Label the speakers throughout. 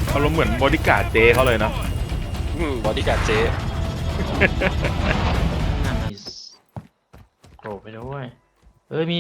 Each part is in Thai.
Speaker 1: เขาเหมือนบอดี้การ์ดเจเขาเลยเนาะ
Speaker 2: บอดี้การ์ดเจ
Speaker 3: นั่นน่ะโผล่ไปด้วยมี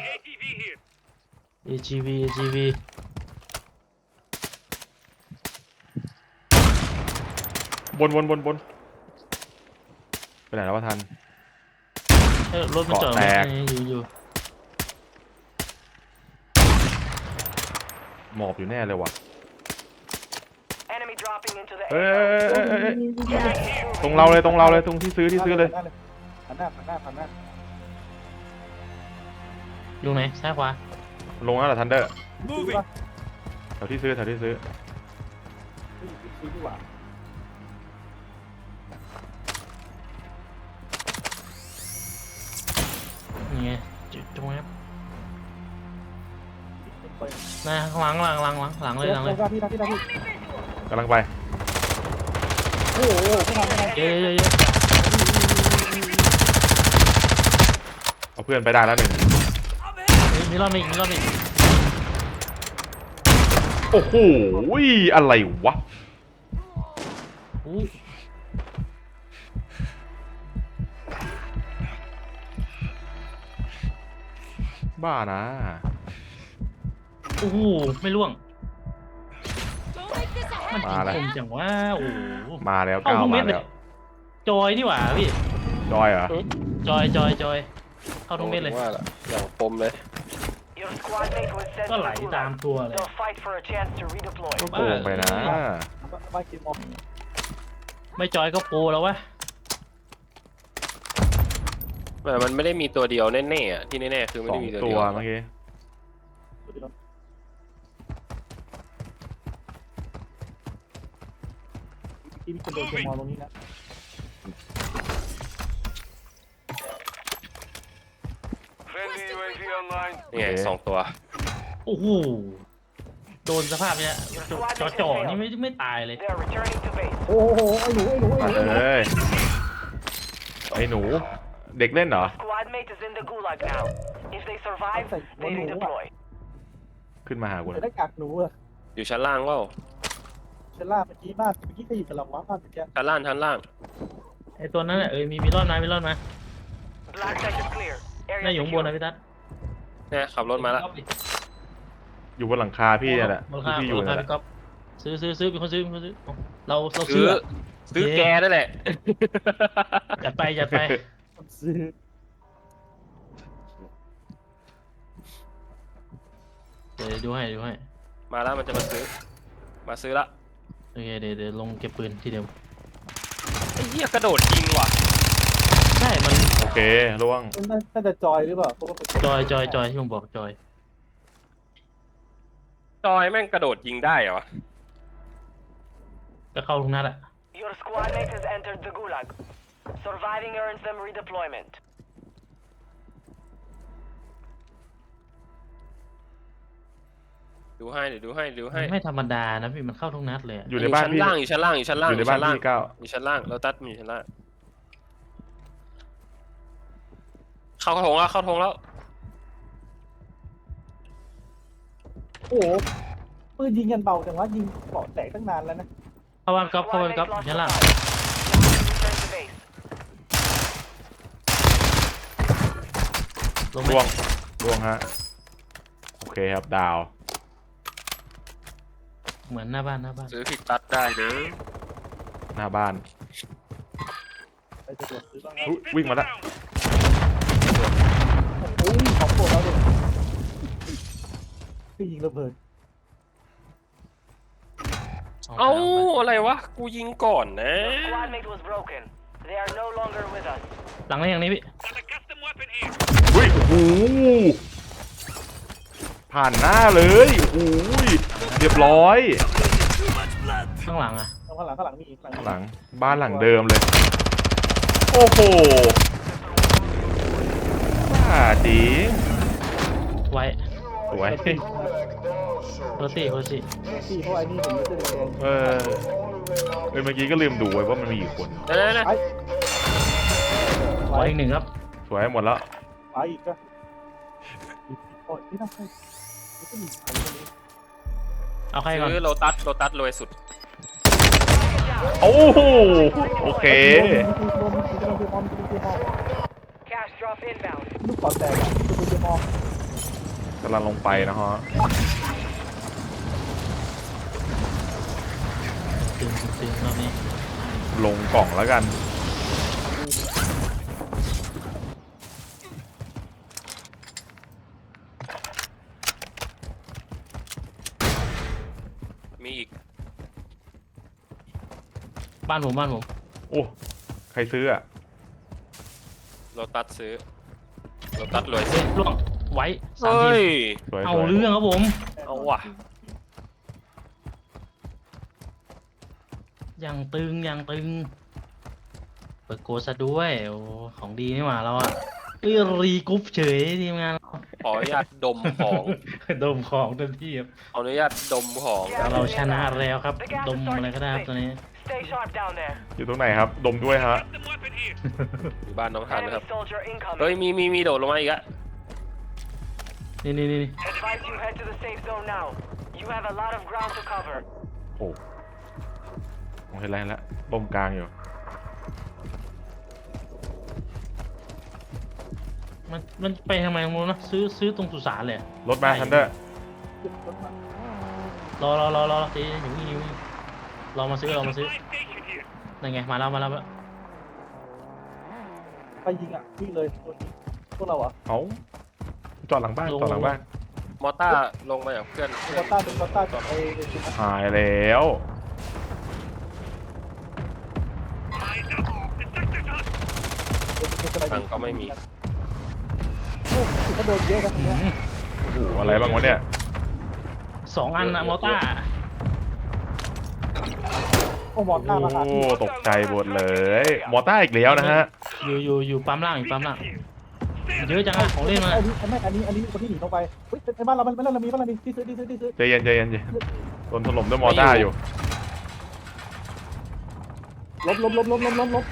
Speaker 3: AGV
Speaker 1: บนไปไหนแล้ววะทัน
Speaker 3: รถมันจอด
Speaker 1: เกาะแตก
Speaker 3: อยู่
Speaker 1: หมอบอยู่แน่เลยว่ะ
Speaker 4: Enemy dropping into the
Speaker 1: เอ้ย
Speaker 4: area.
Speaker 1: ตรงเราเลยตรงที่ซื้อเลย
Speaker 5: ผ่านหน้า
Speaker 3: อยู่ไหนซ้ายขวา
Speaker 1: ลงแล้วเหรอทันเดอร์แถวที่ซื้อ
Speaker 5: ซื้อดีกว่า
Speaker 3: นี่ไงจุดตรงนี้หน้าข้างหลังเลย
Speaker 5: พี่
Speaker 1: กำลังไป
Speaker 5: โอ้โหไม่ทำอะไร
Speaker 3: เยอะ
Speaker 1: เอาเพื่อนไปได้แล้วหนึ่ง
Speaker 3: มีรอบอีก
Speaker 1: โอ้โหอะไรวะ
Speaker 3: อู้
Speaker 1: บ้านะ
Speaker 3: โอ้โหไม่ล่วง
Speaker 1: มาแล้ว
Speaker 3: ผมจังว่าโอ้โห
Speaker 1: มาแล้ว
Speaker 3: เข้า
Speaker 1: ก้าว
Speaker 3: ทุกเม็
Speaker 1: มา
Speaker 3: ดเล
Speaker 1: แล้
Speaker 3: ยว จอยนี่หว่าพี่
Speaker 1: จอยเหรอ
Speaker 3: จอยเข้าทุกเม็ดเลย
Speaker 2: ว่าละอย่างปมเลย
Speaker 4: Your squad mate was sent
Speaker 3: ก็
Speaker 4: to
Speaker 3: ไหล
Speaker 4: the
Speaker 3: ตาม
Speaker 4: gulag.
Speaker 3: ตัวเลย
Speaker 4: They'll fight for a chance to redeploy.
Speaker 1: โกงไปนะ
Speaker 5: บ้านกินมอง
Speaker 3: ไม่จอยก็โปรแล้ววะ
Speaker 2: แต่มันไม่ได้มีตัวเดียวแน่ๆอะที่แน่ๆคือไม่
Speaker 1: สอ
Speaker 2: ได้
Speaker 1: ง
Speaker 2: มีตัว
Speaker 1: ตั
Speaker 2: เดี
Speaker 1: ว
Speaker 2: ยว
Speaker 1: เมื่อกี้
Speaker 5: ที่มีคนโดนเกมมองตรงนี้นะ
Speaker 4: Friendly UAV online.
Speaker 2: นี่ไง2 ตัว
Speaker 3: โอ้โหโดนสภาพเนี้ยจ่อนี่ไม่ตายเลย
Speaker 4: They're returning to base.
Speaker 5: โอ้โหไอ้หนู
Speaker 1: มาเลยไอ้หนู เด็กเล่นเหรอ
Speaker 4: Squad mate is in the gulag now. If they survive, they redeploy.
Speaker 1: ขึ้นมาหากู
Speaker 5: จะ
Speaker 1: นะ
Speaker 5: ได้กักหนูอะ
Speaker 2: อยู่ชั้นล่างเปล่า
Speaker 5: เชล่าเมื่อกี้บ้านก็อยู่กับเราบ้านเมื่อกี้
Speaker 2: ชั้นล่าง
Speaker 3: ไอตัวนั้นน่ะมีรอดมา
Speaker 4: Black site is clear.
Speaker 3: น่า
Speaker 4: Area
Speaker 3: อยู่ข้างบนนะ
Speaker 4: secure.
Speaker 3: พี่ตั๊ด
Speaker 2: เนี่ยขับรถมาแล้ว
Speaker 1: อยู่บนหลังคาพี่เนี่ยแหละ
Speaker 3: บนรา
Speaker 1: ที่
Speaker 3: คา
Speaker 1: พี่อยู่
Speaker 3: รา
Speaker 1: เนี่
Speaker 3: คาย
Speaker 1: แหละ
Speaker 3: พี่ก๊อฟซื้อเป็นคนซื้อเรา
Speaker 2: ซื้
Speaker 3: ซื้อ
Speaker 2: อแกนั่นแหละ
Speaker 3: จัดไป
Speaker 5: ซื้อ
Speaker 3: เดี๋ยวดูให้
Speaker 2: มาแล้วมันจะมาซื้อละ
Speaker 3: โอเคเดี๋ยวลงเก็บปืนทีเดียว
Speaker 2: ไอ้เหี้ยกระโดดยิงว่ะ
Speaker 3: ใช่มัน
Speaker 1: โอเคล่วง
Speaker 5: น่าจะจอยหรือเปล่าเพราะว่าเป็น
Speaker 3: จอยที่ผมบอกจอย
Speaker 2: จอยแม่งกระโดดยิงได้เหรอ
Speaker 3: ก็เข้าทุกนัดอะ
Speaker 4: Your squad mate has entered the gulag. Surviving earns them redeployment.
Speaker 2: ดูให้เดี๋ยวดูให้
Speaker 3: ไม่ธรรมดานะพี่มันเข้าทุกนัดเลยอะ
Speaker 1: อยู่ในบ้านพี่
Speaker 2: อยู่ชั้นล่าง
Speaker 1: อยู่ในบ้านพี่ก้าว
Speaker 2: อยู่ชั้นล่างเราตัดมีชั้นล่างเข้าทงแล้ว
Speaker 5: โอ้โหปืนยิงกันเบาจังวะยิงเกาะแตกตั้งนานแล้วนะ
Speaker 3: เข้าบ้านก๊อฟชั้นล่าง
Speaker 4: Return to base.
Speaker 3: ลงไหม
Speaker 1: ล่วงฮะโอเคครับดาว
Speaker 3: เหมือนหน้าบ้าน
Speaker 2: ซื้อพิกตัดได้เด้อ
Speaker 1: หน้าบ้าน
Speaker 5: ไปจะโดนซื้อบ้าง
Speaker 1: อุ๊ยวิ่งมาแล้ว
Speaker 5: โอ้ยของโปรดเราเลยคือยิงระเบิด
Speaker 2: เอ้าอะไรวะกูยิงก่อนนะ
Speaker 4: Your squad mate was broken. They are no longer with us.
Speaker 3: หลังนี้อย่างนี้พี่
Speaker 1: อุ้ยโอ้โหผ่านหน้าเลยโอ้ยเรียบร้อย
Speaker 3: ข้างหลังอะ
Speaker 5: ข้างหลังมีอีก
Speaker 1: หลังบ้านหลังเดิมเลย โอ้โหบ้าจริง
Speaker 3: ไว้
Speaker 1: สวย
Speaker 3: โรซี่
Speaker 5: ที่พวกไอ้นี่ผมจะแดง
Speaker 1: เมื่อกี้ก็ลืมดูไว้ว่ามันมีกี่คน
Speaker 2: นะ
Speaker 5: ไป
Speaker 3: ไว้อีกหนึ่งครับ
Speaker 1: สวยหมดแล้ว
Speaker 5: ไปอีกก็โอ้ยนี่น่าใช่นี่ก็มีใครคนนี้
Speaker 3: เอาใครก่อน
Speaker 2: ซื้อโลตัสรวยสุด
Speaker 1: โอ้โหโอเค
Speaker 4: Cash drop inbound.
Speaker 5: ลูกกอดแตกอะลูกปืนเจมอง
Speaker 1: กำลังลงไปนะฮะ
Speaker 3: ตึงรอบนี้
Speaker 1: ลงกล่องแล้วกัน
Speaker 2: มีอีก
Speaker 3: บ้านผม
Speaker 1: โอ้ใครซื้ออ่ะ
Speaker 2: โลตัสซื้อโลตัสรวย
Speaker 3: เฮ้
Speaker 2: สุ
Speaker 3: ย
Speaker 2: ด
Speaker 3: ล่วงไว้สาม
Speaker 2: เฮ้
Speaker 3: ที
Speaker 2: ย
Speaker 1: สวย
Speaker 3: เอา
Speaker 1: สวย
Speaker 3: เรื่องครับผม
Speaker 2: เอาว่ะ
Speaker 3: ยังตึงเปิดโกซะด้วยโอ้ของดีนี่หว่าเราอะรีกรุ๊ปเฉยทีมงานเรา
Speaker 2: ขออนุญาตดมของ
Speaker 3: ดมของเต็มที่ครับ
Speaker 2: ขออนุญาตดมของ
Speaker 3: เราชนะแล้วครับ ดมอะไรก็ได้ครับตอนนี้
Speaker 4: Stay sharp down there.
Speaker 1: อยู่ตรงไหนครับ ดมด้วยฮะ
Speaker 2: อยู่บ้านน้องทัน
Speaker 4: Enemy
Speaker 2: นะครับ
Speaker 4: soldier
Speaker 2: เฮ้ย
Speaker 4: incoming.
Speaker 2: มีโดดลงมาอีกอะ
Speaker 3: นี่
Speaker 4: Advise you head to the safe zone now. You have a lot of ground to cover.
Speaker 1: โอ้ผมเห็นแล้วลมกลางอยู่
Speaker 3: มันไปทำไมตรงนู้นนะซื้อตรงสุสานเลยอะ
Speaker 1: รถมาทันเดอร์
Speaker 3: รอตีหิวรอมาซื้อนั่นไงมาแล้ว
Speaker 5: ไปยิงอ่ะวิ่งเลยพวกเราอ่ะ
Speaker 1: เอาจอดหลังบ้าน
Speaker 2: มอต้าลงมาจากเพื่อน
Speaker 5: เป็นกอต้ากับไอ้ชุด
Speaker 1: หายแล้ว
Speaker 2: ทางก็ไม่มี
Speaker 5: ก็โดนเยอะกันตรงนี้
Speaker 1: โอ้โหอะไรบ้างวะเนี่ย
Speaker 3: 2 อันนะมอต้า
Speaker 5: โอ้หมอนหน้ามาหา
Speaker 1: โอ้ตกใจหมดเลย มอต้าอีกแล้วนะฮะ
Speaker 3: อยู่ปั๊มล่างเยอะจังอะของเล่นมา
Speaker 5: อันนี้คนที่หนีลงไปเฮ้ยในบ้านเรามีบ้านเรามีที่ซื้อ
Speaker 1: ใจเย็นโดนถล่มด้วยมอต้าอยู่
Speaker 5: ลบชุบเร็ว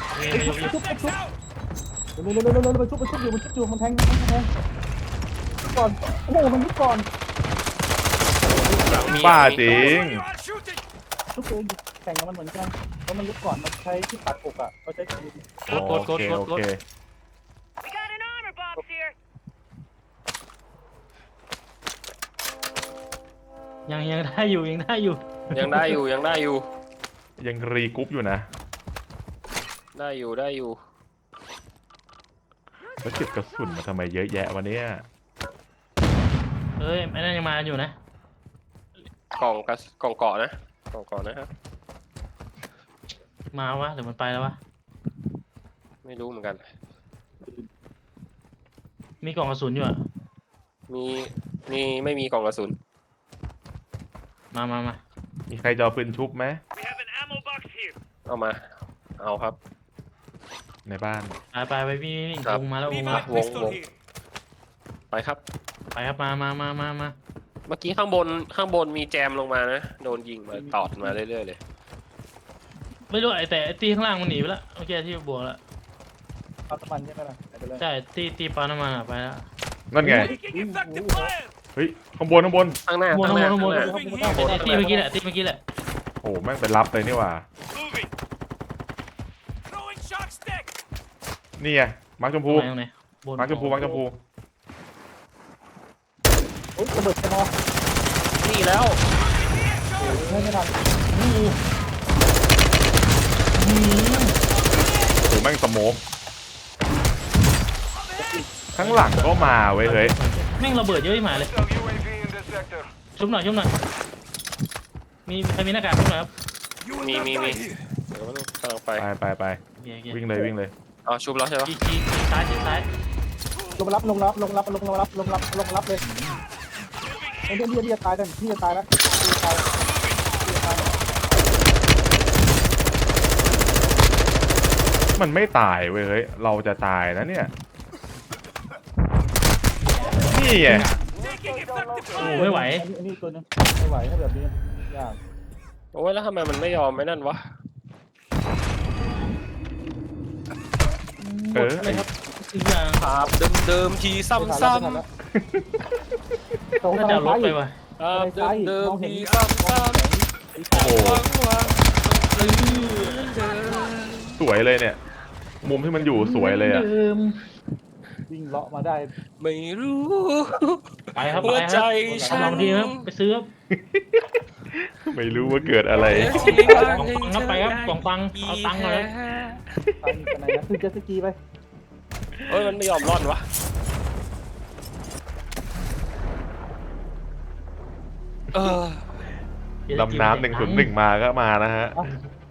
Speaker 5: มันชุบอยู่มันแทงก่อนโอ้โหมันยุบก่อน
Speaker 1: บ้าจริง
Speaker 5: ชุบเองแข่งกับมันเหมือนกันเพราะมันยุบก่อนมันใช้ที่ตัดอกอ่ะเขาใช้
Speaker 1: โอเค
Speaker 4: We got an armor box here.
Speaker 3: ยังได้อยู่
Speaker 2: ยังได้อยู่
Speaker 1: ยังรีกรุ๊ปอยู่นะ
Speaker 2: ได้อยู่
Speaker 1: แล้วเก็บกระสุนมาทำไมเยอะแยะวะเนี่ย
Speaker 3: เอ้ยไอ้นั่นยังมาอยู่นะ
Speaker 2: กล่องเกาะนะครับ
Speaker 3: มาวะหรือมันไปแล้ววะ
Speaker 2: ไม่รู้เหมือนกัน
Speaker 3: มีกล่องกระสุนอยู่อะ
Speaker 2: มีไม่มีกล่องกระสุน
Speaker 3: มา
Speaker 1: มีใครจะเอาปืนชุบไหม
Speaker 2: เอาครับ
Speaker 1: ในบ้าน
Speaker 3: ไปวิ่ง
Speaker 2: ครับ
Speaker 3: วงมาแล้ว
Speaker 2: วงไปครับ
Speaker 3: ไปครับมา
Speaker 2: เมื่อกี้ข้างบนมีแจมลงมานะ โดนยิงมาตอดมาเรื่อยๆเลย
Speaker 3: ไม่รู้แต่ตีข้างล่างมันหนีไปแล้วเมื่อกี้ที่บวกแล้ว
Speaker 5: ปั๊มน้ำมันใช่ไหมล่ะไปเลย
Speaker 3: ใช่ตีปาน้ำมันอะไปแล้ว
Speaker 1: นั่นไง เฮ้ย ข้างบน
Speaker 2: ข้างหน้า
Speaker 3: ข้างบน ตีเมื่อกี้แหละ
Speaker 1: โอ้แม่งไปรับเลยนี่หว่า นี่ไง มาร์คชมพู
Speaker 3: ตรงไหนบน
Speaker 1: มาร์คชมพู
Speaker 5: โอ้ยระเบิดแค่นอ
Speaker 2: นี่แล้ว
Speaker 5: ไม่ทัน
Speaker 1: โอ้แม่งสโมกข้างหลังก็มาเว้ยเฮ้ย
Speaker 3: แม่งระเบิดเยอะที่หมายเลยชุบหน่อยมีใครมีหน้ากากชุบหน่อยครับ
Speaker 2: มีเดี๋ยวกำลังไป
Speaker 1: ไป
Speaker 3: โอเค
Speaker 1: วิ่งเลย
Speaker 2: เอาชุบแล้วใช่ปะ
Speaker 3: ชี้ซ้าย
Speaker 5: ลงรับเลยไอ้เนี่ยตายแล้วนี่จะตายแล้ว
Speaker 1: มันไม่ตายเว้ยเฮ้ย เราจะตายนะเนี่ย นี่ไง
Speaker 3: โอ้ไม่ไหว
Speaker 5: อันนี้ตัวนึงไม่ไหวถ้าแบบนี้ยาก
Speaker 2: โอ้ยแล้วทำไมมันไม่ยอมไม่นั่นวะ
Speaker 3: เลยครับอีกอย่าง
Speaker 2: ภาพเดิมทีซ้ำ
Speaker 5: น่า
Speaker 3: น่าจะลดไปว่ะ
Speaker 2: เดิมเดิมมีซ้ำซ้ำ
Speaker 1: โอ้โห
Speaker 2: หวังว่า
Speaker 1: สวยเลยเนี่ย มุมที่มันอยู่สวยเลยอะ
Speaker 3: ดิม
Speaker 5: วิ่งเลาะมาได้
Speaker 2: ไม่รู้
Speaker 3: ไปครับ
Speaker 2: หั
Speaker 3: ไป
Speaker 2: ว
Speaker 3: ค
Speaker 2: ใจ
Speaker 3: รับ
Speaker 2: ฉั
Speaker 3: ลองดีครับไปซื้อครับ
Speaker 1: ไม่รู้ว่าเกิดอะไร
Speaker 3: กล่องฟังครับไปครับกล่องฟังเอาตังค์มาครับ
Speaker 5: ไปไหนนะคือเจตสกีไป
Speaker 2: เฮ้ยมันไม่ยอมรอดวะเออ
Speaker 1: ดำน้ำ101มาก็มานะฮะ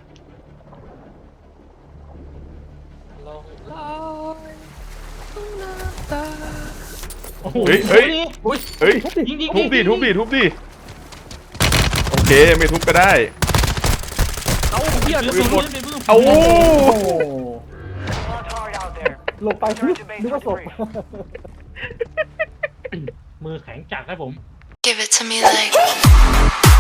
Speaker 2: ลองลอยน้ำตา
Speaker 3: โอ้โห
Speaker 1: เฮ้ยเฮ้ย
Speaker 3: อุ้ย
Speaker 1: เฮ้ย
Speaker 3: ยิง
Speaker 1: ทุบดิทุบดิทุบดิโอเคไม่ทุบก็ได้
Speaker 2: เอาเพี้ยน
Speaker 1: ปืนหมด
Speaker 3: ปืน
Speaker 1: เอา
Speaker 5: โอ้
Speaker 4: Fought hard out there.
Speaker 5: ลงไปนึกว่าศพ
Speaker 3: มือแข็งจัดครับผม
Speaker 6: Give it to me like